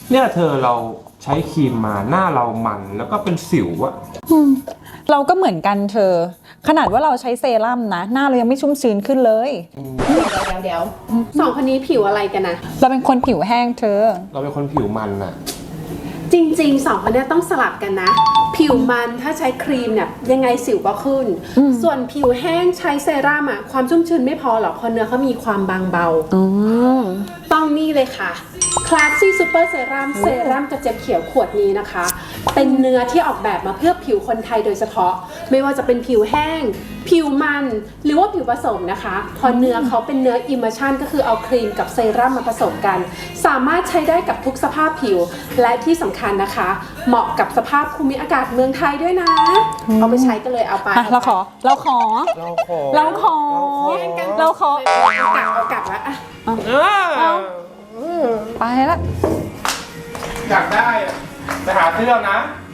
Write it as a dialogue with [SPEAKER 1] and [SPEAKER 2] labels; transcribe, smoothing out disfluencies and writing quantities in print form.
[SPEAKER 1] เนี่ยเธอเราใช้ครีมมาหน้าเรามันแล้วก็เป็นสิวอะ
[SPEAKER 2] เราก็เหมือนกันเธอ ขนาดว่าเราใช้เซรั่มนะ หน้าเรายังไม่ชุ่มชื้นขึ้นเลย
[SPEAKER 3] เดี๋ยวสองคนนี้ผิวอะไรกันนะ
[SPEAKER 2] เราเป็นคนผิวแห้งเธอ
[SPEAKER 1] เราเป็นคนผิวมันอะ
[SPEAKER 3] จริงๆสองคนนี้ต้องสลับกันนะ ผิวมันถ้าใช้ครีมเนี่ยยังไงสิวก็ขึ้น ส่วนผิวแห้งใช้เซรั่มอะความชุ่มชื้นไม่พอหรอกเพราะเนื้อเขามีความบางเบาต้องนี่เลยค่ะ Classy Super Serum เซรั่มกระเจี๊ยบเขียวขวดนี้นะคะ เป็นเนื้อที่ออกแบบมาเพื่อผิวคนไทยโดยเฉพาะ ไม่ว่าจะเป็นผิวแห้ง ผิวมันหรือว่าผิวผสมนะคะพอเนื้อเขาเป็นเนื้อ Emulsion ก็คือเอาครีมกับเซรั่มมาผสมกัน สามารถใช้ได้กับทุกสภาพผิวและที่สำคัญนะคะ เหมาะกับสภาพภูมิอากาศเมืองไทยด้วยนะ เอาไปใช้กันเลยเอาไป
[SPEAKER 2] เราขอ
[SPEAKER 1] เราขอ
[SPEAKER 2] เราขอ
[SPEAKER 3] เอากลับแล้วอะ
[SPEAKER 2] ไปแล้ว
[SPEAKER 1] อยากได้อะไปหาซื้อเอานะ